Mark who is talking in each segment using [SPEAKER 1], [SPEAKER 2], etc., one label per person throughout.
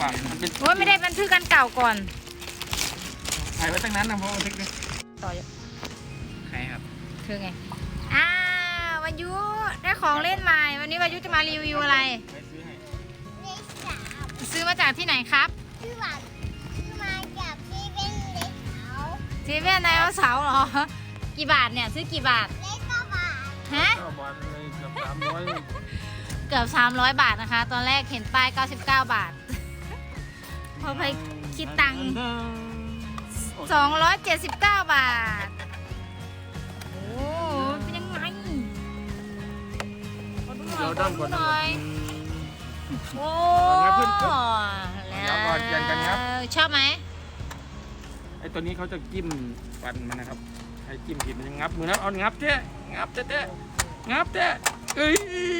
[SPEAKER 1] อ่ะมันเป็น
[SPEAKER 2] โอ้ยไม่ได้บันทึกกันเก่าก่อน
[SPEAKER 1] ถ่ายไว้ตั้งนั้นนะเพราะบันทึกดิ
[SPEAKER 2] ต่อ
[SPEAKER 1] ใครครับ
[SPEAKER 2] เธอไงวายุได้ของเล่นใหม่วันนี้วายุจะมารีวิวอะไร
[SPEAKER 1] ไปซื้อให้
[SPEAKER 3] เลขสาม
[SPEAKER 2] ซื้อมาจากที่ไหนครับ
[SPEAKER 3] ชื่อว่าชื่อมาจากที่เป็นเลขเขา
[SPEAKER 2] เซเว่นไดโนเสาร์เหรอกี่บาทเนี่ยซื้อกี่บาท
[SPEAKER 3] เลขก็บาท
[SPEAKER 2] ฮะ
[SPEAKER 1] ก็บอลเลยเกือบ300
[SPEAKER 2] เกือบ300 บาทนะคะ ตอนแรกเห็นป้าย99 บาท พอไปคิดตังค์279 บาท โอ้เป็นยังไงขอดูหน่อย
[SPEAKER 1] เดี๋ยวด้านก่อน
[SPEAKER 2] หน่อยโอ้
[SPEAKER 1] งับขึ้น
[SPEAKER 2] แล้ว
[SPEAKER 1] ก่อนยันกันครับ
[SPEAKER 2] ชอบไหม
[SPEAKER 1] ไอ้ตัวนี้เขาจะจิ้มฟันมันนะครับไอ้จิ้มผิดมันจะงับมือนะเอางับเจ๊งับเจ๊งับเจ๊เอ้ย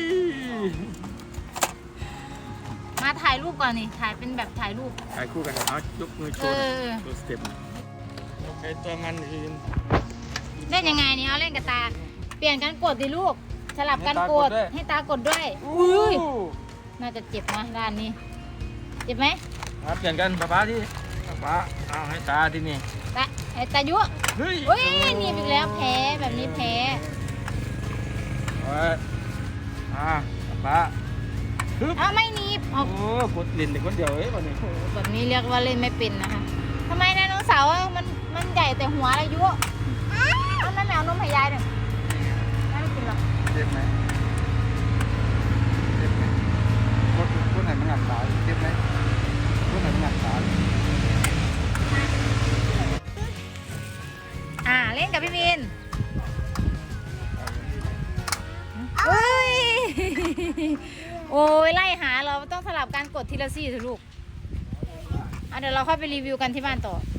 [SPEAKER 2] มาถ่ายรูปก่อนนี่ถ่ายเป็นแบบถ่ายรูป
[SPEAKER 1] ถ่ายคู่กันเอายกมือโชว์ตัวสเต็ปใช้ตัวมันอื่น
[SPEAKER 2] เล่นยังไงนี่เอาเล่นกับตา เปลี่ยนกันกดดิลูก สลับกันกดให้ตากดด้วยอุ้ยน่าจะเจ็บนะด้านนี้ เจ็บไหม
[SPEAKER 1] ครับเปลี่ยนกันป๊าที่ป๊าเอาให้ตาที่นี่
[SPEAKER 2] ตาไอ้ตายุ
[SPEAKER 1] เฮ้ย
[SPEAKER 2] อุ้ยหนีบอีกแล้วแพ้แบบนี้แพ้
[SPEAKER 1] ป๊าฮึบ
[SPEAKER 2] เอาไม่หนีบเอา
[SPEAKER 1] โอ้กดเล่นแต่คนเดียวเอ้ยวันนี้
[SPEAKER 2] โอ้โหแบบนี้เรียกว่าเล่นไม่เป็นนะคะทำไมไดโนเสาร์มันใหญ่แต่หัวอายุเอาแม่แมวนมให้ยายหน่อยยายไม่กินหรอก
[SPEAKER 1] เจ็บไหมเจ็บไหมกดไหนมันหนักตาเจ็บไหมกดไหนมันหนักตา
[SPEAKER 2] เล่นกับพี่มินเฮ้ย โอ้ยไล่หาเราต้องสลับการกดทีละซี่เถอะลูกเดี๋ยวเราค่อยไปรีวิวกันที่บ้านต่อ